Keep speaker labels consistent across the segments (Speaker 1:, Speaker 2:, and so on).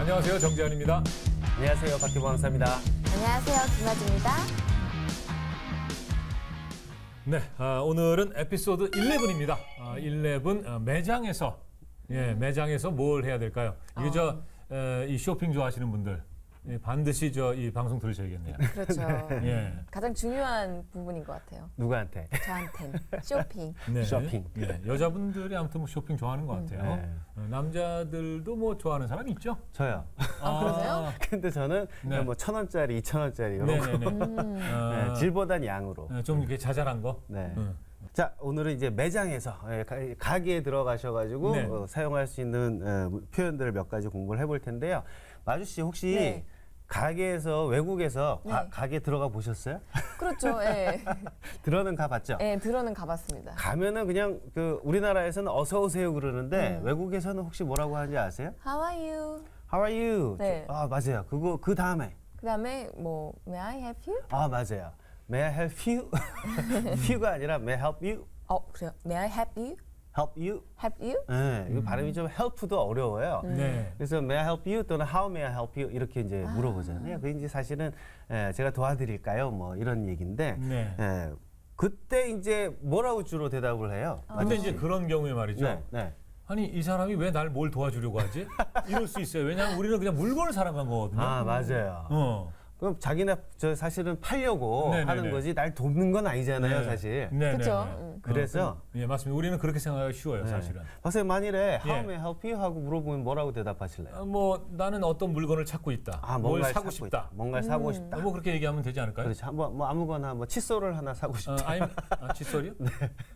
Speaker 1: 안녕하세요. 정재환입니다.
Speaker 2: 안녕하세요. 박기범 강사입니다.
Speaker 3: 안녕하세요. 김아주입니다.
Speaker 1: 네, 오늘은 에피소드 11입니다. 11 매장에서 매장에서 뭘 해야 될까요? 이게 이 쇼핑 좋아하시는 분들 반드시 이 방송 들으셔야겠네요.
Speaker 3: 그렇죠.
Speaker 1: 예.
Speaker 3: 가장 중요한 부분인 것 같아요.
Speaker 2: 누구한테?
Speaker 3: 저한텐 쇼핑.
Speaker 1: 네.
Speaker 2: 쇼핑.
Speaker 1: 예, 여자분들이 아무튼 뭐 쇼핑 좋아하는 것 같아요.
Speaker 2: 네.
Speaker 1: 남자들도 뭐 좋아하는 사람 있죠?
Speaker 2: 저요.
Speaker 3: 그러세요?
Speaker 2: 근데 저는
Speaker 1: 네.
Speaker 2: 뭐 1,000원짜리, 2,000원짜리 이런 거.
Speaker 1: 네네네.
Speaker 2: 네, 질보단 양으로.
Speaker 1: 좀 이렇게 자잘한 거.
Speaker 2: 네. 자, 오늘은 이제 매장에서 가게에 들어가셔가지고
Speaker 1: 네.
Speaker 2: 사용할 수 있는 표현들을 몇 가지 공부를 해볼 텐데요. 마주 씨 혹시
Speaker 3: 네.
Speaker 2: 가게에서 외국에서
Speaker 3: 네.
Speaker 2: 가게 들어가 보셨어요?
Speaker 3: 그렇죠. 예.
Speaker 2: 들어는 가봤죠?
Speaker 3: 예, 들어는 가봤습니다.
Speaker 2: 가면은 그냥 우리나라에서는 어서 오세요 그러는데 외국에서는 혹시 뭐라고 하는지 아세요?
Speaker 3: How are you?
Speaker 2: How are you?
Speaker 3: 네.
Speaker 2: 아, 맞아요. 그 다음에.
Speaker 3: 그다음에 뭐 May I help you?
Speaker 2: 아, 맞아요. May I help you? you가 아니라 May I help you?
Speaker 3: 그래요. May I help you?
Speaker 2: Help you?
Speaker 3: Help you?
Speaker 2: 네, 이거 발음이 좀 help도 어려워요.
Speaker 1: 네.
Speaker 2: 그래서 May I help you 또는 How may I help you 이렇게 이제 물어보잖아요. 그게 이제 사실은 제가 도와드릴까요? 뭐 이런 얘기인데
Speaker 1: 네.
Speaker 2: 그때 이제 뭐라고 주로 대답을 해요?
Speaker 1: 근데 이제 그런 경우에 말이죠.
Speaker 2: 네, 네.
Speaker 1: 아니 이 사람이 왜 날 뭘 도와주려고 하지? 이럴 수 있어요. 왜냐하면 우리는 그냥 물건을 사랑한 거거든요.
Speaker 2: 아, 맞아요. 그럼 자기네 사실은 팔려고
Speaker 1: 네네네.
Speaker 2: 하는 거지 날 돕는 건 아니잖아요, 사실.
Speaker 1: 네,
Speaker 3: 그렇죠.
Speaker 2: 그래서
Speaker 1: 예, 맞습니다. 우리는 그렇게 생각하기 쉬워요, 사실은.
Speaker 2: 박사님 만일에
Speaker 1: 예.
Speaker 2: How may I help you 하고 물어보면 뭐라고 대답하실래요?
Speaker 1: 뭐 나는 어떤 물건을 찾고 있다. 뭘
Speaker 2: 뭔가를
Speaker 1: 사고
Speaker 2: 찾고
Speaker 1: 싶다.
Speaker 2: 있다. 뭔가를 사고 싶다.
Speaker 1: 뭐 그렇게 얘기하면 되지 않을까요?
Speaker 2: 그렇죠. 뭐 아무거나 뭐 칫솔을 하나 사고 싶다.
Speaker 1: 칫솔이요? 네.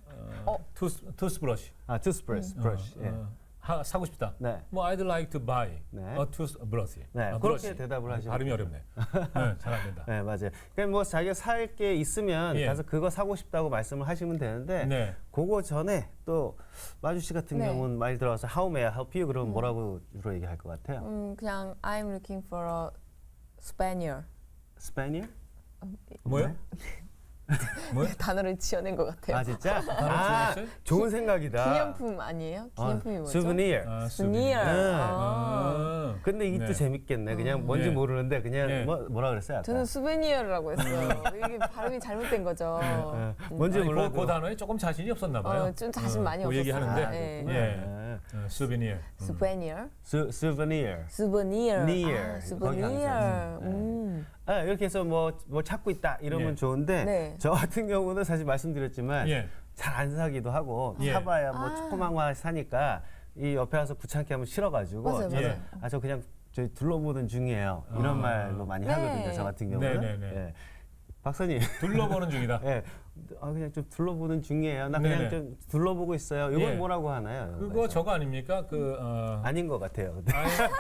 Speaker 1: 투스브러시.
Speaker 2: toothbrush. 예.
Speaker 1: 사고 싶다.
Speaker 2: 네.
Speaker 1: 뭐 I'd like to buy
Speaker 2: 네.
Speaker 1: a toothbrush.
Speaker 2: 네, 그렇게 대답을 하시면
Speaker 1: 발음이
Speaker 2: 돼요.
Speaker 1: 어렵네. 네, 잘 안 된다.
Speaker 2: 네, 맞아요. 그러니까 뭐 자기가 살 게 있으면
Speaker 1: 예.
Speaker 2: 가서 그거 사고 싶다고 말씀을 하시면 되는데
Speaker 1: 네.
Speaker 2: 그거 전에 또 마주 씨 같은
Speaker 3: 네.
Speaker 2: 경우는 많이 들어와서 How may I help you? 그러면 뭐라고 주로 얘기할 것 같아요?
Speaker 3: 그냥 I'm looking for a Spaniel.
Speaker 2: Spaniel?
Speaker 1: 뭐요? 뭐요?
Speaker 3: 단어를 지어낸 것 같아요.
Speaker 2: 아, 진짜?
Speaker 1: 지어냈어요?
Speaker 2: 좋은 생각이다.
Speaker 3: 기념품 아니에요? 기념품이 뭐죠?
Speaker 2: souvenir.
Speaker 3: Souvenir.
Speaker 2: 근데 이게
Speaker 1: 네.
Speaker 2: 또 재밌겠네. 그냥 뭔지
Speaker 1: 네.
Speaker 2: 모르는데 그냥
Speaker 1: 네.
Speaker 2: 뭐라 그랬어요? 아까?
Speaker 3: 저는 수베니어라고 했어요. 이게 발음이 잘못된 거죠.
Speaker 2: 뭔지
Speaker 1: 아니,
Speaker 2: 몰라도
Speaker 1: 그 단어에 조금 자신이 없었나 봐요.
Speaker 3: 좀 자신 많이
Speaker 1: 그
Speaker 3: 없었어요.
Speaker 1: 얘기하는데.
Speaker 3: 네.
Speaker 1: 예. 수비니어.
Speaker 3: 수베니어.
Speaker 2: souvenir.
Speaker 3: 수베니어.
Speaker 2: near.
Speaker 3: 수베니어.
Speaker 2: 이렇게 해서 뭐 찾고 있다 이러면
Speaker 1: 예.
Speaker 2: 좋은데
Speaker 3: 네.
Speaker 2: 저 같은 경우는 사실 말씀드렸지만
Speaker 1: 예.
Speaker 2: 잘 안 사기도 하고
Speaker 1: 예.
Speaker 2: 사봐야 뭐 조그만 거 사니까 이 옆에 와서 귀찮게 하면 싫어가지고
Speaker 3: 맞아요,
Speaker 2: 저는
Speaker 1: 맞아요.
Speaker 2: 저 그냥 저희 둘러보는 중이에요 이런 말로 많이
Speaker 3: 네.
Speaker 2: 하거든요 저 같은 경우는.
Speaker 1: 네네네.
Speaker 2: 예. 박사님.
Speaker 1: 둘러보는 중이다.
Speaker 2: 예. 그냥 좀 둘러보는 중이에요. 나 그냥
Speaker 1: 네네.
Speaker 2: 좀 둘러보고 있어요. 이건
Speaker 1: 예.
Speaker 2: 뭐라고 하나요?
Speaker 1: 그거 저거 아닙니까?
Speaker 2: 아닌 것 같아요. 근데.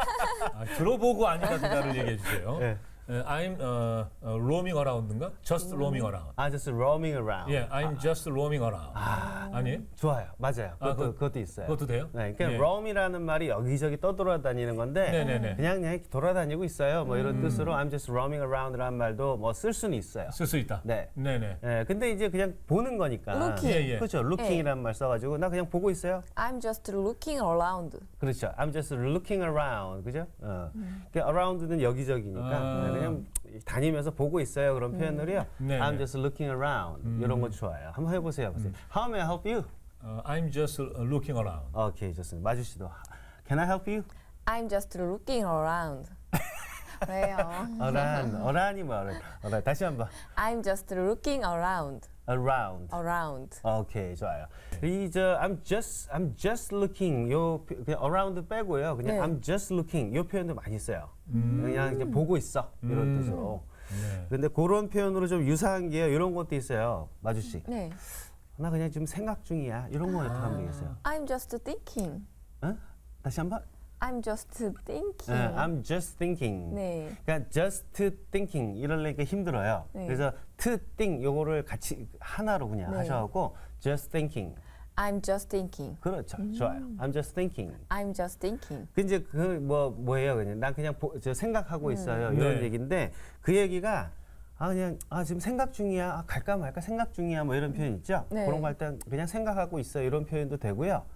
Speaker 1: 들어보고 아니다 그다를 얘기해 주세요.
Speaker 2: 예.
Speaker 1: I'm roaming around인가? Just roaming around.
Speaker 2: just roaming around.
Speaker 1: 예, I'm just roaming around. 아니에요?
Speaker 2: 좋아요. 맞아요. 그것도 있어요.
Speaker 1: 그것도 돼요?
Speaker 2: 네, 그러니까
Speaker 1: 예.
Speaker 2: roam이라는 말이 여기저기 떠돌아다니는 건데
Speaker 1: 네네네.
Speaker 2: 그냥 돌아다니고 있어요. 뭐 이런 뜻으로 I'm just roaming around라는 말도 뭐 쓸 수는 있어요.
Speaker 1: 쓸 수 있다.
Speaker 2: 네.
Speaker 1: 네네.
Speaker 2: 예, 근데 이제 그냥 보는 거니까.
Speaker 3: Looking.
Speaker 1: 예, 예.
Speaker 2: 그렇죠. looking이라는 말 써가지고 나 그냥 보고 있어요.
Speaker 3: I'm just looking around.
Speaker 2: 그렇죠. I'm just looking around. 그죠? 그러니까 around는 여기저기니까 그냥 다니면서 보고 있어요. 그런 표현을요.
Speaker 1: 네네.
Speaker 2: I'm just looking around. 이런 거 좋아요. 한번 해보세요. How may I help you?
Speaker 1: I'm just looking around.
Speaker 2: 오케이, 좋습니다. 마주 씨도. Can I help you?
Speaker 3: I'm just looking around. 왜요?
Speaker 2: 어란이 뭐 어란. 다시 한번.
Speaker 3: I'm just looking around.
Speaker 2: Around.
Speaker 3: Around.
Speaker 2: 오케이, 좋아요. I'm just looking 그냥 around 빼고요. 그냥
Speaker 3: 네.
Speaker 2: I'm just looking 요 표현도 많이 써요. 그냥 이제 보고 있어 이런 뜻으로.
Speaker 1: 네.
Speaker 2: 근데 그런 표현으로 좀 유사한 게 이런 것도 있어요. 마주 씨.
Speaker 3: 네.
Speaker 2: 나 그냥 지금 생각 중이야. 이런 거 어떻게 하면 되겠어요?
Speaker 3: I'm just thinking.
Speaker 2: 어? 다시 한번.
Speaker 3: I'm just thinking.
Speaker 2: I'm just thinking.
Speaker 3: 네.
Speaker 2: 그러니까 just thinking 이러려니까 힘들어요.
Speaker 3: 네.
Speaker 2: 그래서 to think 요거를 같이 하나로 그냥
Speaker 3: 네.
Speaker 2: 하셔갖고 just thinking.
Speaker 3: I'm just thinking.
Speaker 2: 그렇죠. 좋아요. I'm just thinking.
Speaker 3: I'm just thinking.
Speaker 2: 그 이제 뭐예요? 그냥 난 그냥 저 생각하고 있어요. 이런
Speaker 1: 네.
Speaker 2: 얘기인데 그 얘기가 그냥 지금 생각 중이야. 갈까 말까 생각 중이야. 뭐 이런 표현 있죠?
Speaker 3: 네.
Speaker 2: 그런 거 할 때 그냥 생각하고 있어. 이런 표현도 되고요.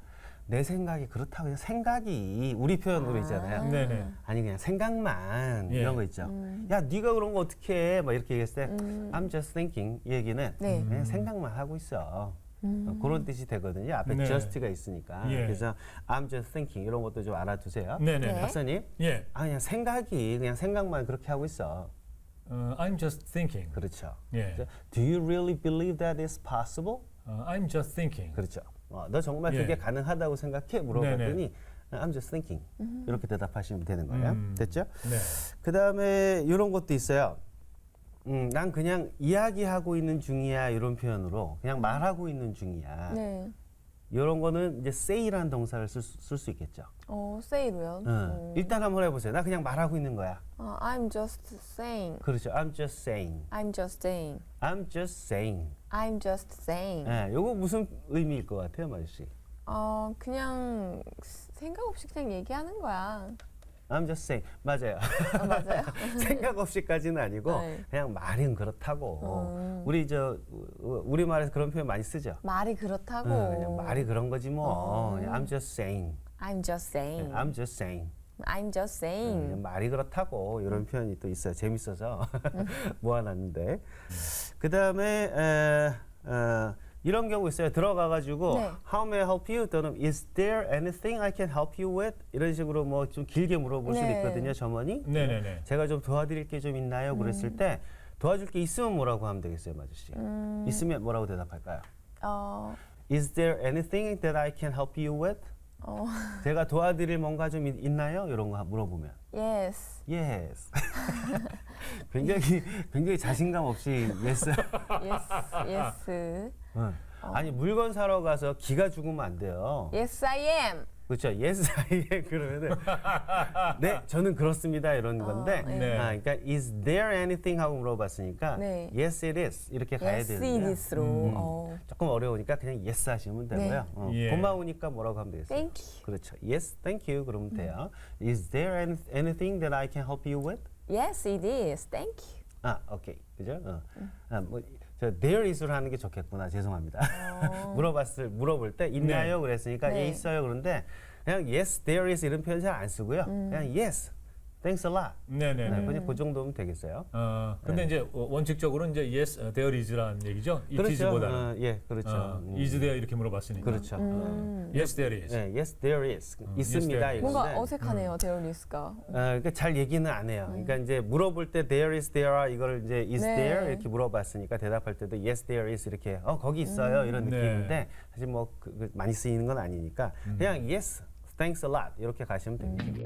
Speaker 2: 내 생각이 그렇다고 그냥 생각이 우리 표현으로 있잖아요.
Speaker 1: 네네.
Speaker 2: 아니 그냥 생각만
Speaker 1: 예.
Speaker 2: 이런 거 있죠. 야 네가 그런 거 어떻게 해? 막 이렇게 얘기했을 때 I'm just thinking 이 얘기는
Speaker 3: 네.
Speaker 2: 그냥 생각만 하고 있어. 그런 뜻이 되거든요. 앞에
Speaker 1: 네.
Speaker 2: just가 있으니까.
Speaker 1: 예.
Speaker 2: 그래서 I'm just thinking 이런 것도 좀 알아두세요.
Speaker 1: 네네.
Speaker 3: 네.
Speaker 2: 박사님,
Speaker 1: 예.
Speaker 2: 그냥 생각이 그냥 생각만 그렇게 하고 있어.
Speaker 1: I'm just thinking.
Speaker 2: 그렇죠.
Speaker 1: 예.
Speaker 2: Do you really believe that is possible?
Speaker 1: I'm just thinking.
Speaker 2: 그렇죠. 너 정말
Speaker 1: 예.
Speaker 2: 그게 가능하다고 생각해? 물어봤더니 I'm just thinking 이렇게 대답하시면 되는 거예요. 됐죠?
Speaker 1: 네.
Speaker 2: 그 다음에 이런 것도 있어요. 난 그냥 이야기하고 있는 중이야 이런 표현으로 그냥 말하고 있는 중이야.
Speaker 3: 네.
Speaker 2: 이런 거는 이제 say라는 동사를 쓸 수 있겠죠.
Speaker 3: say로요.
Speaker 2: 일단 한번 해보세요. 나 그냥 말하고 있는 거야.
Speaker 3: I'm just saying.
Speaker 2: 그렇죠. I'm just saying.
Speaker 3: I'm just saying.
Speaker 2: I'm just saying.
Speaker 3: I'm just saying.
Speaker 2: 요거 무슨 의미일 것 같아요, 마주 씨?
Speaker 3: 그냥 생각 없이 그냥 얘기하는 거야.
Speaker 2: I'm just saying. 맞아요.
Speaker 3: 맞아요.
Speaker 2: 생각 없이까지는 아니고
Speaker 3: 네.
Speaker 2: 그냥 말은 그렇다고. 우리 말에서 그런 표현 많이 쓰죠.
Speaker 3: 말이 그렇다고.
Speaker 2: 그냥 말이 그런 거지 뭐. 그냥 I'm just saying.
Speaker 3: I'm just saying.
Speaker 2: I'm just saying.
Speaker 3: I'm just saying.
Speaker 2: 그냥 말이 그렇다고 이런 표현이 또 있어요. 재밌어서 모아놨는데. 그 다음에 이런 경우 있어요. 들어가가지고
Speaker 3: 네.
Speaker 2: How may I help you? 또는 Is there anything I can help you with? 이런 식으로 뭐 좀 길게 물어볼 수도
Speaker 3: 네.
Speaker 2: 있거든요. 점원이.
Speaker 1: 네네네.
Speaker 2: 제가 좀 도와드릴 게 좀 있나요? 그랬을 때 도와줄 게 있으면 뭐라고 하면 되겠어요, 마주 씨? 있으면 뭐라고 대답할까요? Is there anything that I can help you with? 제가 도와드릴 뭔가 좀 있나요? 이런 거 물어보면
Speaker 3: Yes.
Speaker 2: Yes. 굉장히 자신감 없이 yes.
Speaker 3: Yes. Yes.
Speaker 2: 아니 물건 사러 가서 기가 죽으면 안 돼요.
Speaker 3: Yes, I am.
Speaker 2: 그렇죠. Yes, I am 그러면은 네, 저는 그렇습니다 이런 건데.
Speaker 1: 네.
Speaker 2: 그러니까 is there anything 하고 물어봤으니까
Speaker 3: 네.
Speaker 2: yes, it is 이렇게 가야
Speaker 3: Yes,
Speaker 2: 되는데
Speaker 3: it is로.
Speaker 2: 조금 어려우니까 그냥 yes 하시면 되고요.
Speaker 1: 예.
Speaker 2: 고마우니까 뭐라고 하면 되겠어요?
Speaker 3: Thank you.
Speaker 2: 그렇죠. Yes, thank you 그러면 돼요. Is there anything that I can help you with?
Speaker 3: Yes, it is. Thank you.
Speaker 2: 오케이. 그죠? 저 there is로 하는 게 좋겠구나. 죄송합니다. 물어볼 때 있나요? 그랬으니까
Speaker 3: 네.
Speaker 2: 예 있어요. 그런데 그냥 yes, there is 이런 표현 잘 안 쓰고요. 그냥 yes, thanks a lot.
Speaker 1: 네네네.
Speaker 2: 그냥 그 정도면 되겠어요.
Speaker 1: 근데 이제 원칙적으로는 이제 yes, there is라는 얘기죠. it is보다는.
Speaker 2: 예, 그렇죠.
Speaker 1: is there 이렇게 물어봤으니까.
Speaker 2: 그렇죠.
Speaker 1: yes, there is.
Speaker 2: yes, there is. 있습니다.
Speaker 1: there is.
Speaker 3: 뭔가
Speaker 2: 이건데.
Speaker 3: 어색하네요, 데올리스가.
Speaker 2: 그러니까 잘 얘기는 안 해요. 그러니까 이제 물어볼 때 there is, there are 이걸 이제 is
Speaker 3: 네.
Speaker 2: there 이렇게 물어봤으니까 대답할 때도 yes, there is 이렇게 거기 있어요 이런
Speaker 1: 네.
Speaker 2: 느낌인데 사실 뭐 많이 쓰이는 건 아니니까 그냥 yes, thanks a lot 이렇게 가시면 됩니다.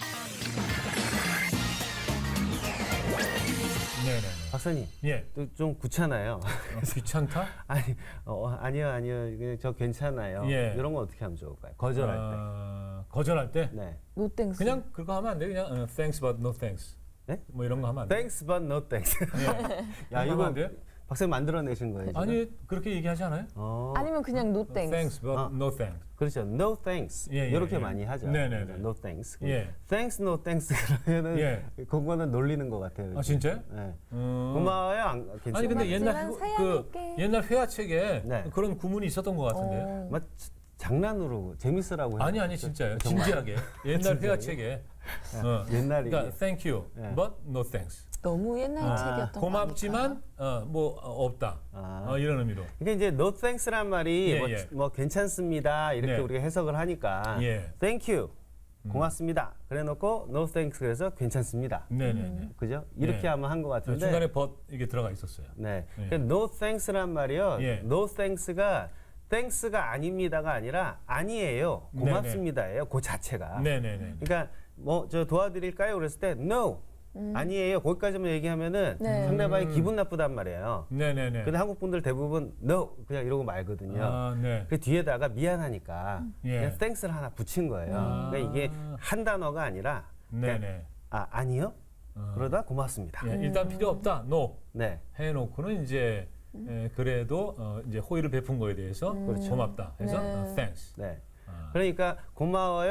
Speaker 1: 네네.
Speaker 2: 박사님,
Speaker 1: 예.
Speaker 2: 또 좀 귀찮아요.
Speaker 1: 귀찮다?
Speaker 2: 아니요, 그냥 저 괜찮아요.
Speaker 1: 예.
Speaker 2: 이런 건 어떻게 하면 좋을까요? 거절할
Speaker 1: 거절할 때?
Speaker 2: 때. 네.
Speaker 3: 노땡스.
Speaker 1: 그냥 그거 하면 안 돼. 그냥 thanks but no thanks.
Speaker 2: 네?
Speaker 1: 뭐 이런 거 하면 안 돼.
Speaker 2: Thanks but no thanks. 야
Speaker 1: 이거
Speaker 2: 이거
Speaker 1: 안 돼요?
Speaker 2: 박사님 만들어내신 거예요? 지금?
Speaker 1: 아니 그렇게 얘기하지 않아요?
Speaker 3: 아니면 그냥 노땡스.
Speaker 1: thanks but no thanks.
Speaker 2: 그렇죠. No thanks.
Speaker 1: 예, 예,
Speaker 2: 이렇게
Speaker 1: 예.
Speaker 2: 많이 하죠.
Speaker 1: 네네네.
Speaker 2: No thanks.
Speaker 1: 예.
Speaker 2: Thanks, no thanks 그러면은
Speaker 1: 예.
Speaker 2: 그거는 놀리는 것 같아요.
Speaker 1: 아 진짜요?
Speaker 2: 네.
Speaker 1: 음.
Speaker 2: 고마워요. 괜찮아요.
Speaker 1: 아니 근데 옛날
Speaker 3: 고맙지만
Speaker 1: 그
Speaker 3: 사양할게.
Speaker 1: 옛날 회화책에
Speaker 2: 네.
Speaker 1: 그런 구문이 있었던 것 같은데.
Speaker 2: 막 장난으로 재밌으라고
Speaker 1: 아니
Speaker 2: 해요.
Speaker 1: 진짜요. 진지하게. 옛날 회화책에.
Speaker 2: 옛날에
Speaker 1: 그러니까 thank you,
Speaker 2: 예.
Speaker 1: but no thanks.
Speaker 3: 너무 옛날 책이었던 거
Speaker 1: 고맙지만 뭐 없다. 이런 의미로.
Speaker 2: 이게 이제 no thanks란 말이
Speaker 1: 예,
Speaker 2: 뭐,
Speaker 1: 예.
Speaker 2: 뭐 괜찮습니다 이렇게
Speaker 1: 네.
Speaker 2: 우리가 해석을 하니까
Speaker 1: 예.
Speaker 2: thank you 고맙습니다. 그래놓고 no thanks 그래서 괜찮습니다.
Speaker 1: 네네네.
Speaker 2: 그죠? 이렇게
Speaker 1: 네.
Speaker 2: 하면 한 것 같은데.
Speaker 1: 중간에 but 이게 들어가 있었어요.
Speaker 2: 네.
Speaker 1: 예.
Speaker 2: 그 no thanks란 말이요.
Speaker 1: 예.
Speaker 2: no thanks가 thanks가 아닙니다가 아니라 아니에요. 고맙습니다예요. 그 자체가.
Speaker 1: 네네네.
Speaker 2: 그러니까 뭐 저 도와드릴까요? 그랬을 때 no 아니에요. 거기까지만 얘기하면은
Speaker 3: 네.
Speaker 2: 상대방이 기분 나쁘단 말이에요.
Speaker 1: 네네네.
Speaker 2: 근데 한국 분들 대부분 no 그냥 이러고 말거든요.
Speaker 1: 네.
Speaker 2: 그 뒤에다가 미안하니까
Speaker 1: 예.
Speaker 2: 그냥 thanks를 하나 붙인 거예요. 그러니까 이게 한 단어가 아니라 그냥
Speaker 1: 네네.
Speaker 2: 아니요. 그러다 고맙습니다.
Speaker 1: 예, 일단 필요 없다. no.
Speaker 2: 네.
Speaker 1: 해놓고는 이제 그래도 이제 호의를 베푼 거에 대해서
Speaker 2: 그렇죠.
Speaker 1: 고맙다 해서
Speaker 3: 네.
Speaker 1: thanks.
Speaker 2: 네.
Speaker 1: 아.
Speaker 2: 그러니까 고마워요.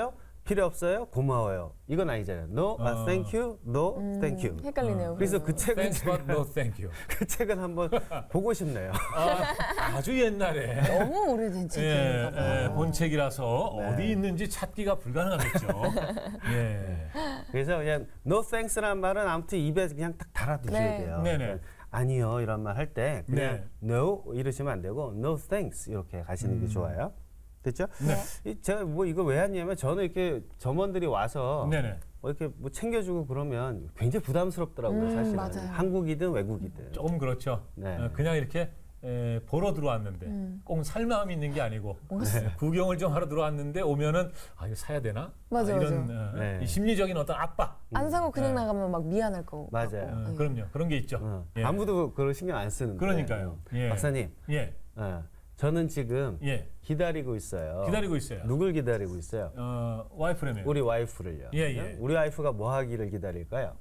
Speaker 2: 필요 없어요. 고마워요. 이건 아니잖아요. No, thank you. No, thank you.
Speaker 3: 헷갈리네요.
Speaker 2: 그래서 그 책은
Speaker 1: Thanks but no thank you.
Speaker 2: 그 책은 한번 보고 싶네요.
Speaker 1: 아주 옛날에
Speaker 3: 너무 오래된 책인가 봐요.
Speaker 1: 본 책이라서
Speaker 2: 네.
Speaker 1: 어디 있는지 찾기가 불가능하겠죠. 예.
Speaker 2: 그래서 그냥 no thanks라는 말은 아무튼 입에 그냥 딱 달아두셔야
Speaker 3: 네.
Speaker 2: 돼요.
Speaker 1: 네네.
Speaker 2: 그러니까 아니요 이런 말 할 때 그냥
Speaker 1: 네.
Speaker 2: no 이러시면 안 되고 no thanks 이렇게 가시는 게 좋아요. 됐죠?
Speaker 3: 네.
Speaker 2: 제가 뭐 이거 왜 했냐면 저는 이렇게 점원들이 와서
Speaker 1: 네네.
Speaker 2: 뭐 이렇게 뭐 챙겨주고 그러면 굉장히 부담스럽더라고요, 사실은.
Speaker 3: 맞아요.
Speaker 2: 한국이든 외국이든.
Speaker 1: 조금 그렇죠.
Speaker 2: 네.
Speaker 1: 그냥 이렇게 보러 들어왔는데 꼭 살 마음이 있는 게 아니고 구경을 좀 하러 들어왔는데 오면은 아 이거 사야 되나?
Speaker 3: 맞아요,
Speaker 1: 이런
Speaker 2: 네.
Speaker 1: 이 심리적인 어떤 압박.
Speaker 3: 안 사고 그냥 나가면 막 미안할 거고.
Speaker 2: 맞아요.
Speaker 1: 그럼요. 그런 게 있죠. 예.
Speaker 2: 아무도 그걸 신경 안 쓰는데.
Speaker 1: 그러니까요. 예.
Speaker 2: 박사님,
Speaker 1: 예.
Speaker 2: 저는 지금
Speaker 1: 예.
Speaker 2: 기다리고 있어요.
Speaker 1: 기다리고 있어요.
Speaker 2: 누굴 기다리고 있어요?
Speaker 1: 와이프라며요.
Speaker 2: 우리 와이프를요.
Speaker 1: 예, 예.
Speaker 2: 우리 와이프가 뭐 하기를 기다릴까요?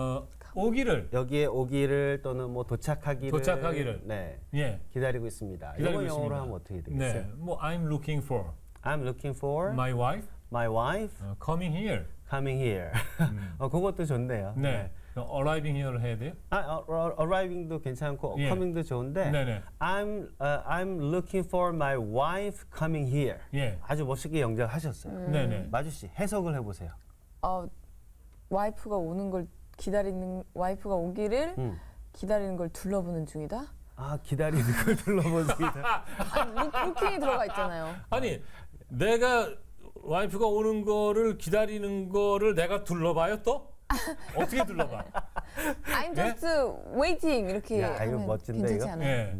Speaker 1: 오기를
Speaker 2: 여기에 오기를 또는 뭐 도착하기를
Speaker 1: 네.
Speaker 2: 네,
Speaker 1: 예.
Speaker 2: 기다리고 있습니다.
Speaker 1: 기다리고
Speaker 2: 이거 영어로
Speaker 1: 있습니다.
Speaker 2: 하면 어떻게 되겠어요?
Speaker 1: 네. 뭐 I'm looking for
Speaker 2: I'm looking for
Speaker 1: my wife
Speaker 2: my wife
Speaker 1: coming here.
Speaker 2: coming here. 그것도 좋네요.
Speaker 1: 네. 그럼 arriving here를 해야 돼요?
Speaker 2: arriving도 괜찮고
Speaker 1: 예.
Speaker 2: coming도 좋은데
Speaker 1: 네네.
Speaker 2: I'm looking for my wife coming here.
Speaker 1: 예.
Speaker 2: 아주 멋있게 영작하셨어요.
Speaker 1: 네네.
Speaker 2: 마주 씨 해석을 해보세요.
Speaker 3: 와이프가 오는 걸 기다리는 와이프가 오기를 기다리는 걸 둘러보는 중이다.
Speaker 2: 아 기다리는 걸 둘러보습니다.
Speaker 3: 아니, 루킹이 들어가 있잖아요.
Speaker 1: 아니 내가 와이프가 오는 거를 기다리는 거를 내가 둘러봐요 또? 어떻게 둘러봐?
Speaker 3: I'm just waiting 이렇게
Speaker 2: 야, 이거
Speaker 3: 하면
Speaker 2: 멋진데,
Speaker 3: 괜찮지
Speaker 2: 이거?
Speaker 3: 않아요?
Speaker 1: 예.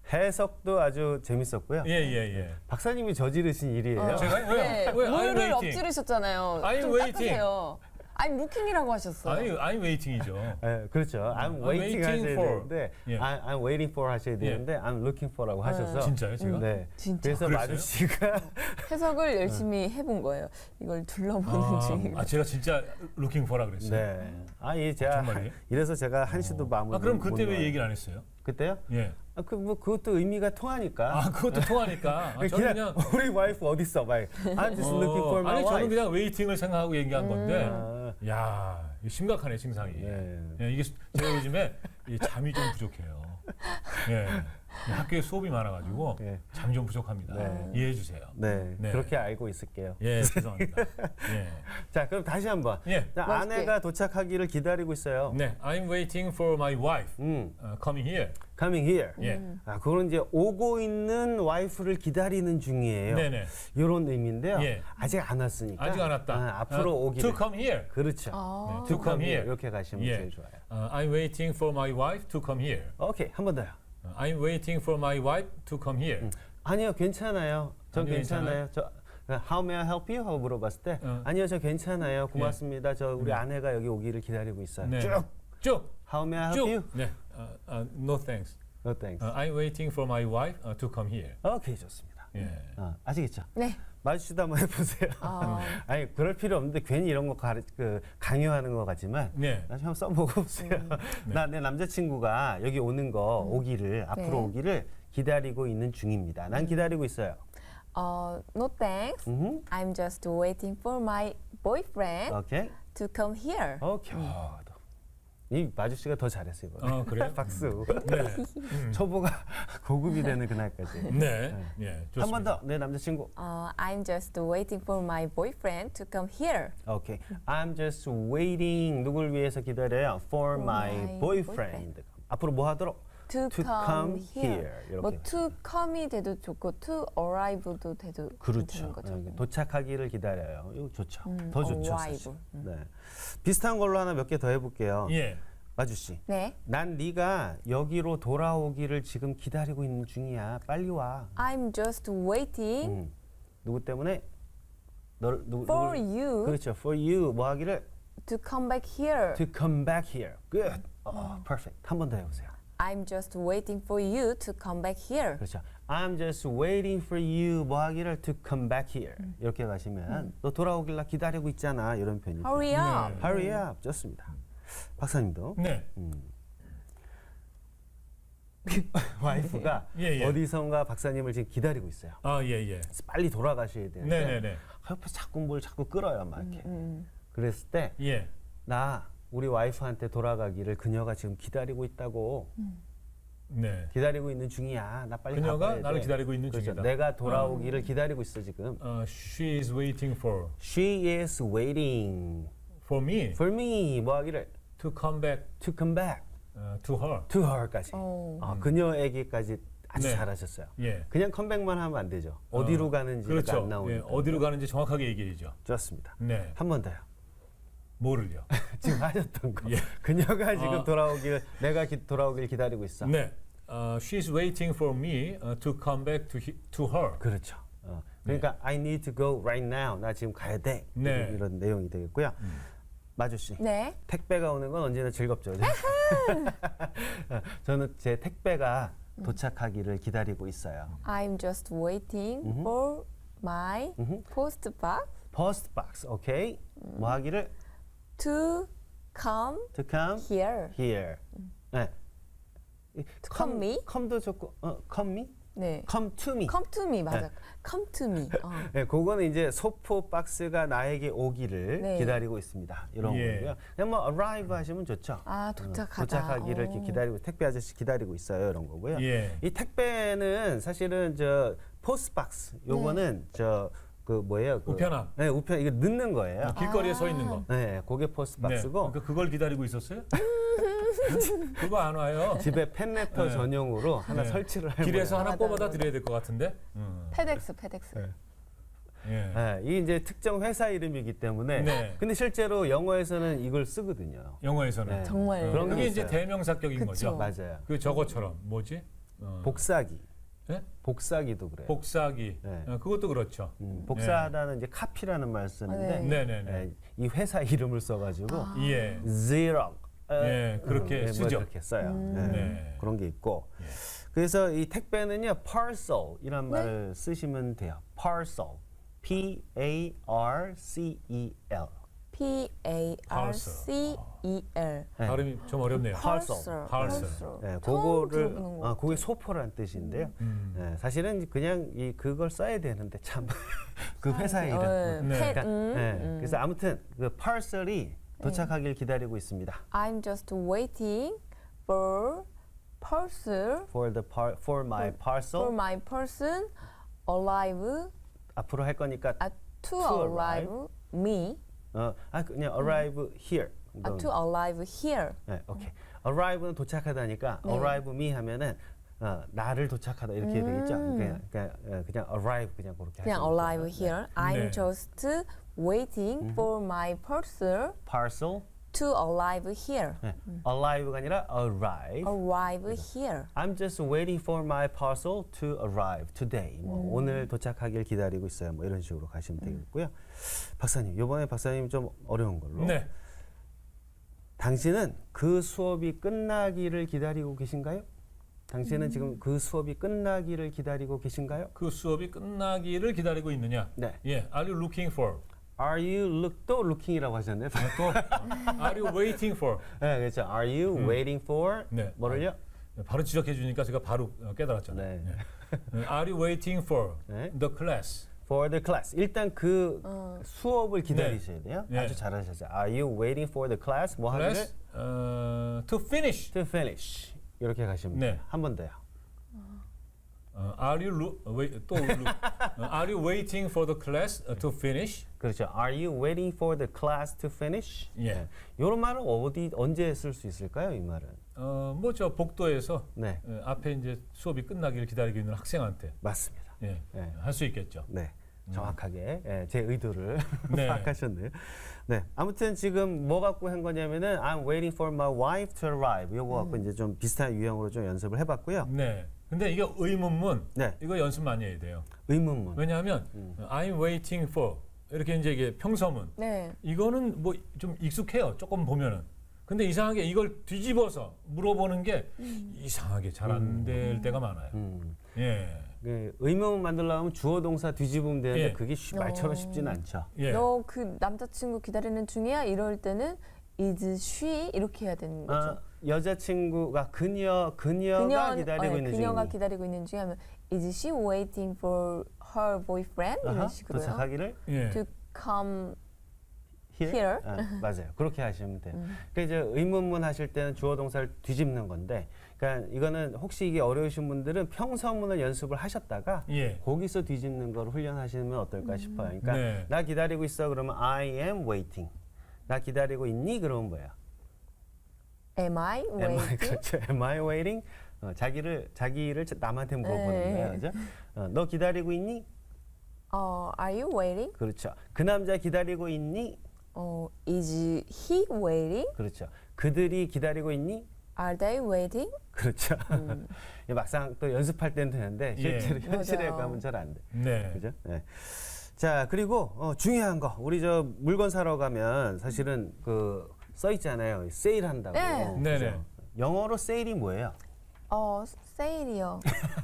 Speaker 2: 해석도 아주 재밌었고요.
Speaker 1: 예.
Speaker 2: 박사님이 저지르신 일이에요.
Speaker 1: 제가 왜?
Speaker 3: 네,
Speaker 1: 왜 I'm
Speaker 3: 물을
Speaker 1: waiting?
Speaker 3: 엎지르셨잖아요.
Speaker 1: I'm
Speaker 3: 좀
Speaker 1: waiting.
Speaker 3: 닦으세요. I'm looking이라고 하셨어요.
Speaker 1: 아니 I'm waiting이죠.
Speaker 2: 네, 그렇죠. I'm
Speaker 1: I'm
Speaker 2: waiting 하셔야
Speaker 1: waiting for.
Speaker 2: 되는데
Speaker 1: 예.
Speaker 2: I'm waiting for 하셔야 되는데 I'm looking for라고 하셔서
Speaker 1: 진짜요, 제가?
Speaker 2: 네.
Speaker 3: 진짜.
Speaker 2: 그래서
Speaker 1: 그랬어요?
Speaker 2: 마주 씨가
Speaker 3: 해석을 열심히 해본 거예요. 이걸 둘러보는 중이고.
Speaker 1: 제가 진짜 looking for라 그랬어요.
Speaker 2: 네. 이 제가
Speaker 1: 정말이에요?
Speaker 2: 이래서 제가 한시도 마무리.
Speaker 1: 그럼 그때 왜 얘기를 안 했어요?
Speaker 2: 그때요?
Speaker 1: 예.
Speaker 2: 그것도 의미가 통하니까.
Speaker 1: 그것도 통하니까. 저는 그냥
Speaker 2: 우리 와이프 어디 있어? 막 I'm just looking for my
Speaker 1: 아니 저는
Speaker 2: wife.
Speaker 1: 그냥 웨이팅을 생각하고 얘기한 건데,
Speaker 2: 아.
Speaker 1: 야 이거 심각하네 증상이.
Speaker 2: 네.
Speaker 1: 예, 이게 제가 요즘에 이 잠이 좀 부족해요. 예, 학교에 수업이 많아가지고
Speaker 2: 예.
Speaker 1: 잠이 좀 부족합니다.
Speaker 2: 네.
Speaker 1: 이해해 주세요.
Speaker 2: 네,
Speaker 1: 네.
Speaker 2: 그렇게 알고 있을게요.
Speaker 1: 예, 죄송합니다. 예,
Speaker 2: 자, 그럼 다시 한번.
Speaker 1: 예.
Speaker 2: 자,
Speaker 3: 멋있게.
Speaker 2: 아내가 도착하기를 기다리고 있어요.
Speaker 1: 네, I'm waiting for my wife coming here.
Speaker 2: Coming here.
Speaker 1: 예,
Speaker 2: 그거는 이제 오고 있는 와이프를 기다리는 중이에요.
Speaker 1: 네네.
Speaker 2: 이런 의미인데요.
Speaker 1: 예.
Speaker 2: 아직 안 왔으니까.
Speaker 1: 아직 안 왔다.
Speaker 2: 앞으로 오기를.
Speaker 1: To come here.
Speaker 2: 그렇죠.
Speaker 3: 아.
Speaker 1: 네, to come here.
Speaker 2: 이렇게 가시면
Speaker 1: 예.
Speaker 2: 제일 좋아요.
Speaker 1: I'm waiting for my wife to come here.
Speaker 2: 오케이, 한 번 더요.
Speaker 1: I'm waiting for my wife to come here.
Speaker 2: 아니요, 괜찮아요. 전
Speaker 1: 아니요,
Speaker 2: 괜찮아요. 저 How may I help you? 하고 물어봤을 때 아니요, 저 괜찮아요. 고맙습니다. 저 우리 아내가 여기 오기를 기다리고 있어요.
Speaker 1: 네.
Speaker 2: 쭉. How may I help you?
Speaker 1: 네. No thanks.
Speaker 2: No thanks.
Speaker 1: I'm waiting for my wife to come here.
Speaker 2: 오케이, 좋습니다.
Speaker 1: 예.
Speaker 2: 아시겠죠?
Speaker 3: 네.
Speaker 2: 마주치다 한번 해보세요. 아니 그럴 필요 없는데 괜히 이런 거 강요하는 것 같지만
Speaker 1: 네.
Speaker 2: 나중에 한번 써보고 보세요. 나 내 남자친구가 여기 오는 거 오기를 앞으로
Speaker 3: 네.
Speaker 2: 오기를 기다리고 있는 중입니다. 난 기다리고 있어요.
Speaker 3: No thanks. I'm just waiting for my boyfriend
Speaker 2: 오케이.
Speaker 3: to come here.
Speaker 2: 오케이. 이 마주 씨가 더 잘했어요. 이거.
Speaker 1: 그래요?
Speaker 2: 박수.
Speaker 1: 네.
Speaker 2: 초보가 고급이 되는 그날까지.
Speaker 1: 네. 예. 좋습니다.
Speaker 2: 한 번 더. 내 남자친구.
Speaker 3: I'm just waiting for my boyfriend to come here.
Speaker 2: 오케이. I'm just waiting. 누굴 위해서 기다려요? For my
Speaker 3: my
Speaker 2: boyfriend. 앞으로 뭐 하도록?
Speaker 3: To come here.
Speaker 2: 이렇게.
Speaker 3: 뭐 to come이 돼도 좋고 to arrive도 돼도
Speaker 2: 그렇죠.
Speaker 3: 괜찮은 거죠.
Speaker 2: 도착하기를 기다려요. 이거 좋죠. 더 좋죠.
Speaker 3: arrival.
Speaker 2: 사실. 네. 비슷한 걸로 하나 몇 개 더 해볼게요.
Speaker 1: 예.
Speaker 2: 마주 씨.
Speaker 3: 네.
Speaker 2: 난 네가 여기로 돌아오기를 지금 기다리고 있는 중이야. 빨리 와.
Speaker 3: I'm just waiting
Speaker 2: 누구 때문에?
Speaker 3: for you
Speaker 2: 그렇죠. For you 뭐 하기를?
Speaker 3: to come back here.
Speaker 2: To come back here. Good. Perfect. 한 번 더 해보세요.
Speaker 3: I'm just waiting for you to come back here.
Speaker 2: 그렇죠. I'm just waiting for you 뭐 하기를 to come back here. 이렇게 가시면 너 돌아오길 나 기다리고 있잖아. 이런 표현이.
Speaker 3: Hurry up.
Speaker 2: Hurry up. 좋습니다. 박사님도.
Speaker 1: 네.
Speaker 2: 와이프가
Speaker 1: 예, 예.
Speaker 2: 어디선가 박사님을 지금 기다리고 있어요.
Speaker 1: 아, 예, 예.
Speaker 2: 그래서 빨리 돌아가셔야 되는데
Speaker 1: 네네네.
Speaker 2: 옆에 자꾸 뭘 자꾸 끌어요, 막 이렇게. 그랬을 때
Speaker 1: 예.
Speaker 2: 나 우리 와이프한테 돌아가기를 그녀가 지금 기다리고 있다고.
Speaker 1: 네.
Speaker 2: 기다리고 있는 중이야. 나 빨리
Speaker 1: 그녀가
Speaker 2: 가봐야 돼.
Speaker 1: 나를 기다리고 있는
Speaker 2: 그렇죠.
Speaker 1: 중이다.
Speaker 2: 내가 돌아오기를 기다리고 있어 지금.
Speaker 1: She is waiting
Speaker 2: She is waiting
Speaker 1: for me
Speaker 2: for me. 뭐 하기를
Speaker 1: to come back
Speaker 2: to come back
Speaker 1: to her.
Speaker 2: to her까지. 그녀에게까지 아주
Speaker 1: 네.
Speaker 2: 잘하셨어요.
Speaker 1: 예.
Speaker 2: 그냥 컴백만 하면 안 되죠. 어디로 가는지가
Speaker 1: 그렇죠.
Speaker 2: 안 나오니까.
Speaker 1: 예, 어디로 가는지 정확하게 얘기해야죠.
Speaker 2: 좋습니다.
Speaker 1: 네.
Speaker 2: 한 번 더요.
Speaker 1: 뭐를요?
Speaker 2: 지금 하셨던 거.
Speaker 1: 예.
Speaker 2: 그녀가 지금 돌아오기를 내가 돌아오길 기다리고 있어.
Speaker 1: 네. She's waiting for me to come back to her.
Speaker 2: 그렇죠. 그러니까 I need to go right now. 나 지금 가야 돼.
Speaker 1: 네.
Speaker 2: 이런 내용이 되겠고요. 마주 씨.
Speaker 3: 네.
Speaker 2: 택배가 오는 건 언제나 즐겁죠. 저는 제 택배가 도착하기를 기다리고 있어요.
Speaker 3: I'm just waiting for my post box
Speaker 2: Post box, 오케이? 뭐 하기를
Speaker 3: to come
Speaker 2: to come
Speaker 3: here.
Speaker 2: here. 네.
Speaker 3: come me?
Speaker 2: come도 좋고, come me?
Speaker 3: 네.
Speaker 2: come to me.
Speaker 3: Come to me 맞아. Come to me.
Speaker 2: 네, 그거는 이제 소포 박스가 나에게 오기를
Speaker 3: 네.
Speaker 2: 기다리고 있습니다. 이런
Speaker 1: 예.
Speaker 2: 거고요. 그냥 뭐 arrive 하시면 좋죠.
Speaker 3: 아 도착하다.
Speaker 2: 도착하기를 이렇게
Speaker 3: 오.
Speaker 2: 기다리고 택배 아저씨 기다리고 있어요. 이런 거고요.
Speaker 1: 예.
Speaker 2: 이 택배는 사실은 저 포스트 박스 요거는 저 그 뭐예요? 그,
Speaker 1: 우편함.
Speaker 2: 네, 우편 이거 넣는 거예요.
Speaker 1: 길거리에 서 있는 거.
Speaker 2: 네, 그게 포스트
Speaker 1: 네.
Speaker 2: 박스고
Speaker 1: 그러니까 그걸 기다리고 있었어요? 그거 안 와요.
Speaker 2: 집에 팬레터
Speaker 1: 네.
Speaker 2: 전용으로 하나
Speaker 1: 네.
Speaker 2: 설치를 할
Speaker 1: 길에서
Speaker 2: 거예요.
Speaker 1: 하나
Speaker 3: 맞아,
Speaker 1: 뽑아다
Speaker 3: 맞아.
Speaker 1: 드려야 될 것 같은데.
Speaker 3: 페덱스.
Speaker 1: 예.
Speaker 2: 네, 이게 이제 특정 회사 이름이기 때문에
Speaker 1: 네.
Speaker 2: 근데 실제로 영어에서는 이걸 쓰거든요.
Speaker 1: 영어에서는.
Speaker 2: 네.
Speaker 3: 정말.
Speaker 2: 그런 게
Speaker 1: 그게 이제
Speaker 2: 있어요.
Speaker 1: 대명사격인
Speaker 3: 그쵸.
Speaker 1: 거죠.
Speaker 2: 맞아요.
Speaker 1: 그 저거처럼 뭐지?
Speaker 2: 복사기.
Speaker 1: 네?
Speaker 2: 복사기도 그래요.
Speaker 1: 복사기.
Speaker 2: 네.
Speaker 1: 그것도 그렇죠.
Speaker 2: 복사하다는 이제 카피라는 말 쓰는데
Speaker 3: 네.
Speaker 1: 네네네.
Speaker 2: 이 회사 이름을 써가지고
Speaker 1: 예.
Speaker 2: Xerox
Speaker 1: 예, 그렇게
Speaker 2: 뭐
Speaker 1: 쓰죠.
Speaker 2: 이렇게 써요. 네.
Speaker 1: 네.
Speaker 2: 그런 게 있고
Speaker 1: 예.
Speaker 2: 그래서 이 택배는요 parcel이란 말을 쓰시면 돼요. parcel, P-A-R-C-E-L.
Speaker 3: P-A-R-C-E-L.
Speaker 1: 발음이 좀 어렵네요.
Speaker 2: parcel.
Speaker 1: parcel.
Speaker 2: 네,
Speaker 3: 처음
Speaker 2: 그거를
Speaker 3: 들어보는 것
Speaker 2: 그게 소포란 뜻인데요. 네, 사실은 그냥 그걸 써야 되는데 참 그 회사 이름.
Speaker 1: 네.
Speaker 2: 그러니까, 그래서 아무튼 그 parcel이 도착하길 기다리고 있습니다.
Speaker 3: I'm just waiting for parcel
Speaker 2: for my parcel.
Speaker 3: for my person arrive
Speaker 2: 앞으로 할 거니까
Speaker 3: to
Speaker 2: To
Speaker 3: arrive me
Speaker 2: 그냥 arrive here.
Speaker 3: to arrive here.
Speaker 2: 네, 오케이. arrive는 도착하다니까
Speaker 3: 네.
Speaker 2: arrive me 하면은 나를 도착하다 이렇게 되겠죠. 그냥 arrive 그냥 그렇게
Speaker 3: 그냥
Speaker 2: 하시면
Speaker 3: arrive
Speaker 2: 돼요.
Speaker 3: here. I'm
Speaker 1: 네.
Speaker 3: just waiting for my parcel
Speaker 2: parcel
Speaker 3: to arrive here.
Speaker 2: 네. arrive가 아니라 arrive.
Speaker 3: Arrive here.
Speaker 2: I'm just waiting for my parcel to arrive today. 뭐 오늘 도착하길 기다리고 있어요. 뭐 이런 식으로 가시면 되겠고요. 박사님, 이번에 박사님 좀 어려운 걸로.
Speaker 1: 네.
Speaker 2: 당신은 그 수업이 끝나기를 기다리고 계신가요? 당신은 지금 그 수업이 끝나기를 기다리고 계신가요?
Speaker 1: 그 수업이 끝나기를 기다리고 있느냐?
Speaker 2: 네.
Speaker 1: 예. Are you looking for?
Speaker 2: Are you 또 looking이라고 하셨네요.
Speaker 1: 또 Are you waiting for?
Speaker 2: 네, 그렇죠. Are you waiting for
Speaker 1: 네.
Speaker 2: 뭐를요?
Speaker 1: 바로 지적해 주니까 제가 바로 깨달았잖아요.
Speaker 2: 네.
Speaker 1: 예. Are you waiting for
Speaker 2: 네.
Speaker 1: the class?
Speaker 2: For the class. 일단 그 수업을 기다리셔야 돼요.
Speaker 1: 네.
Speaker 2: 아주 잘하셨어요. Are you waiting for the class? 뭐 하기를?
Speaker 1: class to finish.
Speaker 2: To finish. 이렇게 가시면
Speaker 1: 네.
Speaker 2: 돼요. 한 번 더요.
Speaker 1: Are you Are you waiting for the class to finish?
Speaker 2: 그렇죠. Are you waiting for the class to finish?
Speaker 1: 예.
Speaker 2: 이런 말은 언제 쓸 수 있을까요? 이 말은.
Speaker 1: 뭐 저 복도에서
Speaker 2: 네,
Speaker 1: 앞에 이제 수업이 끝나기를 기다리고 있는 학생한테
Speaker 2: 맞습니다.
Speaker 1: 예,
Speaker 2: 네.
Speaker 1: 할 수 있겠죠.
Speaker 2: 네, 정확하게 제 의도를
Speaker 1: 네.
Speaker 2: 파악하셨네요. 네, 아무튼 지금 뭐 갖고 한 거냐면은 I'm waiting for my wife to arrive. 요거 갖고 이제 좀 비슷한 유형으로 좀 연습을 해봤고요.
Speaker 1: 네. 근데 이게 의문문
Speaker 2: 네,
Speaker 1: 이거 연습 많이 해야 돼요.
Speaker 2: 의문문.
Speaker 1: 왜냐하면 I'm waiting for 이렇게 이제 이게 평서문
Speaker 3: 네.
Speaker 1: 이거는 뭐 좀 익숙해요. 조금 보면은. 근데 이상하게 이걸 뒤집어서 물어보는 게 이상하게 잘 안 될 때가 많아요. 예.
Speaker 2: 그 의문문 만들려면 주어 동사 뒤집으면 되는데
Speaker 1: 예.
Speaker 2: 그게 말처럼 쉽지는 않죠.
Speaker 1: 예.
Speaker 3: 너 그 남자친구 기다리는 중이야? 이럴 때는 is she 이렇게 해야 되는 거죠.
Speaker 2: 여자친구가 그녀가 기다리고 있는
Speaker 3: 그녀가
Speaker 2: 중이니.
Speaker 3: 기다리고 있는 중에 하면 Is she waiting for her boyfriend? 이런
Speaker 2: 또
Speaker 3: 식으로요.
Speaker 2: 자기를
Speaker 1: 예.
Speaker 3: To come
Speaker 2: here?
Speaker 3: Here?
Speaker 2: 맞아요. 그렇게 하시면 돼요. 그러니까 이제 의문문 하실 때는 주어 동사를 뒤집는 건데, 그러니까 이거는 혹시 이게 어려우신 분들은 평서문을 연습을 하셨다가
Speaker 1: 예.
Speaker 2: 거기서 뒤집는 걸 훈련하시면 어떨까 싶어요. 그러니까
Speaker 1: 네.
Speaker 2: 나 기다리고 있어 그러면 I am waiting. 나 기다리고 있니? 그러면 뭐야?
Speaker 3: Am I
Speaker 2: Am I,
Speaker 3: waiting?
Speaker 2: 그렇죠. Am I waiting? 자기를 남한테 물어보는
Speaker 3: 네.
Speaker 2: 거예요. 그죠? 너 기다리고 있니?
Speaker 3: Are you waiting?
Speaker 2: 그렇죠. 그 남자 기다리고 있니?
Speaker 3: Is he waiting?
Speaker 2: 그렇죠. 그들이 기다리고 있니?
Speaker 3: Are they waiting?
Speaker 2: 그렇죠. 막상 또 연습할 때는 되는데
Speaker 1: 예.
Speaker 2: 실제로 현실에
Speaker 3: 맞아요.
Speaker 2: 가면 잘 안 돼.
Speaker 1: 네.
Speaker 2: 그죠? 네. 자, 그리고 중요한 거. 우리 저 물건 사러 가면 사실은 그 써 있잖아요. 세일한다고.
Speaker 3: 네.
Speaker 2: 그죠?
Speaker 1: 네네.
Speaker 2: 영어로 세일이 뭐예요?
Speaker 3: 세일이요.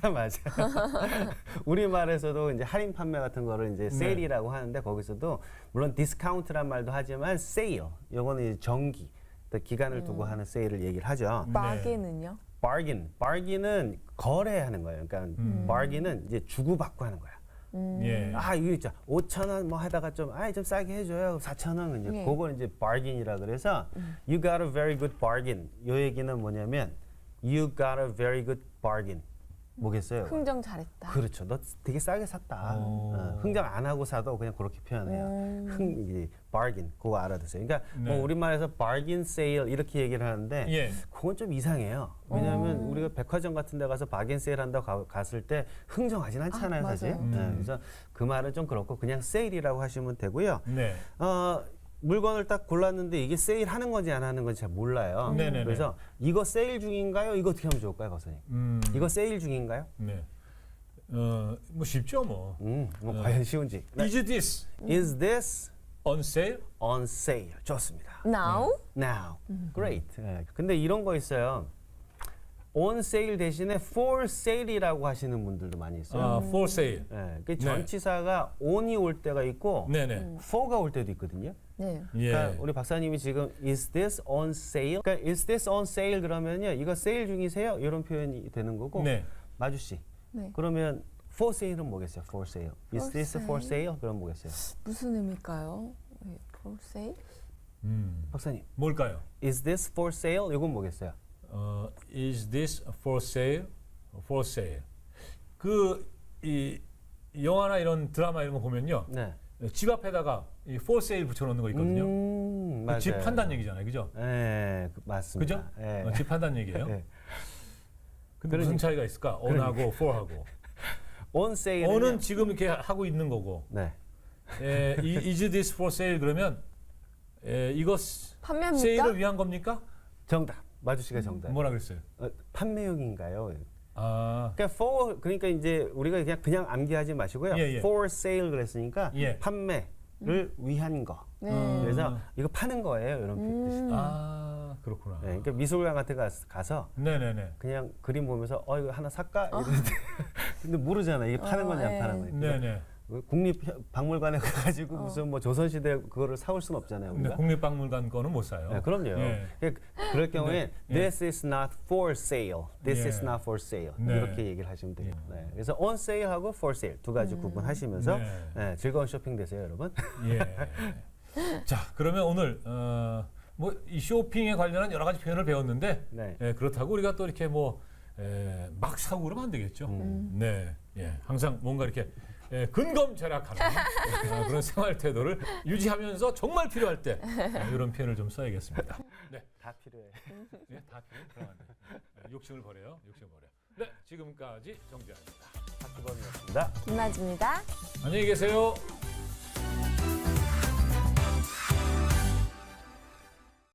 Speaker 2: 맞아요. 우리말에서도 이제 할인 판매 같은 거를 이제 세일이라고 하는데 거기서도 물론 디스카운트란 말도 하지만 세일. 요거는 이제 정기. 또 기간을 두고 하는 세일을 얘기를 하죠.
Speaker 3: bargain은요?
Speaker 2: bargain은 거래하는 거예요. 그러니까 bargain은 이제 주고받고 하는 거야.
Speaker 1: 예.
Speaker 2: 아, 이거 있죠. 5,000원 뭐 하다가 좀 싸게 해줘요. 4,000원. 이제
Speaker 3: 예.
Speaker 2: 그걸 이제 bargain이라 그래서 you got a very good bargain. 요 얘기는 뭐냐면 you got a very good bargain. 뭐겠어요?
Speaker 3: 흥정 잘했다.
Speaker 2: 그렇죠. 너 되게 싸게 샀다. 흥정 안 하고 사도 그냥 그렇게 표현해요. 이게 bargain 그거 알아두세요. 그러니까
Speaker 1: 네.
Speaker 2: 뭐 우리말에서 bargain sale 이렇게 얘기를 하는데
Speaker 1: 예.
Speaker 2: 그건 좀 이상해요. 왜냐하면 우리가 백화점 같은 데 가서 bargain sale 한다고 갔을 때 흥정하진 않잖아요, 사실.
Speaker 3: 맞아요.
Speaker 2: 네, 그래서 그 말은 좀 그렇고 그냥 sale이라고 하시면 되고요.
Speaker 1: 네.
Speaker 2: 물건을 딱 골랐는데 이게 세일하는 건지 안 하는 건지 잘 몰라요.
Speaker 1: 네네네.
Speaker 2: 그래서 이거 세일 중인가요? 이거 어떻게 하면 좋을까요, 박사님? 이거 세일 중인가요?
Speaker 1: 네. 뭐 쉽죠 뭐.
Speaker 2: 뭐 과연 쉬운지. 네.
Speaker 1: Is this
Speaker 2: Is this
Speaker 1: on sale?
Speaker 2: on sale? 좋습니다.
Speaker 3: Now?
Speaker 2: Now. Great. 네. 근데 이런 거 있어요. on sale 대신에 for sale이라고 하시는 분들도 많이 있어요.
Speaker 1: For sale.
Speaker 2: 네. 그 전치사가 on이 올 때가 있고
Speaker 1: 네네.
Speaker 2: for가 올 때도 있거든요.
Speaker 3: 네.
Speaker 1: 예.
Speaker 2: 그러니까 우리 박사님이 지금 is this on sale? 그러니까 is this on sale 그러면요. 이거 세일 중이세요? 이런 표현이 되는 거고.
Speaker 1: 네.
Speaker 2: 마주 씨.
Speaker 3: 네.
Speaker 2: 그러면 for sale은 뭐겠어요? for sale. is
Speaker 3: For
Speaker 2: this for sale? 그럼 뭐겠어요?
Speaker 3: 무슨 의미일까요? For sale?
Speaker 2: 박사님.
Speaker 1: 뭘까요?
Speaker 2: is this for sale? 이건 뭐겠어요?
Speaker 1: Is this for sale? For sale. 이 영화나 이런 드라마 이런 거 보면요.
Speaker 2: 네.
Speaker 1: 집 앞에다가 이 for sale 붙여놓는 거 있거든요.
Speaker 2: 맞아요.
Speaker 1: 집 판단 얘기잖아요, 그죠?
Speaker 2: 네, 맞습니다.
Speaker 1: 그죠?
Speaker 2: 네.
Speaker 1: 집 판단 얘기예요.
Speaker 2: 네.
Speaker 1: 근데 무슨 차이가 있을까? on하고 for하고.
Speaker 2: on sale.
Speaker 1: on은 지금 이렇게 하고 있는 거고,
Speaker 2: 네.
Speaker 1: is this for sale 그러면 이거
Speaker 3: 판매합니까?
Speaker 1: 세일을 위한 겁니까?
Speaker 2: 정답. 마주 씨가 정답.
Speaker 1: 뭐라 그랬어요?
Speaker 2: 판매용인가요?
Speaker 1: 아,
Speaker 2: 그러니까 이제 우리가 그냥 암기하지 마시고요.
Speaker 1: 예, 예.
Speaker 2: for sale 그랬으니까
Speaker 1: 예.
Speaker 2: 판매를 위한 거.
Speaker 3: 네.
Speaker 2: 그래서 이거 파는 거예요. 이런 뜻이죠.
Speaker 1: 아 그렇구나.
Speaker 2: 네, 그러니까 미술관 같은 데 가서
Speaker 1: 네네네.
Speaker 2: 그냥 그림 보면서 이거 하나 살까? 이러는데 근데 모르잖아. 이게 파는 건지 안
Speaker 3: 네.
Speaker 2: 파는 건지.
Speaker 1: 네네.
Speaker 2: 국립박물관에 가가지고 무슨 뭐 조선시대 그거를 사올 수는 없잖아요.
Speaker 1: 근데
Speaker 2: 우리가.
Speaker 1: 국립박물관 거는 못 사요.
Speaker 2: 네, 그럼요.
Speaker 1: 예.
Speaker 2: 그럴 경우에
Speaker 1: 네.
Speaker 2: this is not for sale, this
Speaker 1: 예.
Speaker 2: is not for sale
Speaker 1: 네.
Speaker 2: 이렇게 얘기를 하시면 돼요. 네. 그래서 on sale하고 for sale 두 가지 구분하시면서
Speaker 1: 네.
Speaker 2: 네, 즐거운 쇼핑 되세요, 여러분.
Speaker 1: 예. 자, 그러면 오늘 뭐 이 쇼핑에 관련한 여러 가지 표현을 배웠는데
Speaker 2: 네.
Speaker 1: 그렇다고 우리가 또 이렇게 막 사고 그러면 안 되겠죠. 네, 예, 항상 뭔가 이렇게 근검절약하는 그런 생활 태도를 유지하면서 정말 필요할 때 이런 표현을 좀 써야겠습니다. 네,
Speaker 2: 다 필요해.
Speaker 1: 예, 다 필요해. 그럼 안 돼. 욕심을 버려요. 욕심 버려. 네, 지금까지 정재환입니다.
Speaker 2: 박주범이었습니다.
Speaker 3: 김나지입니다.
Speaker 1: 안녕히 계세요.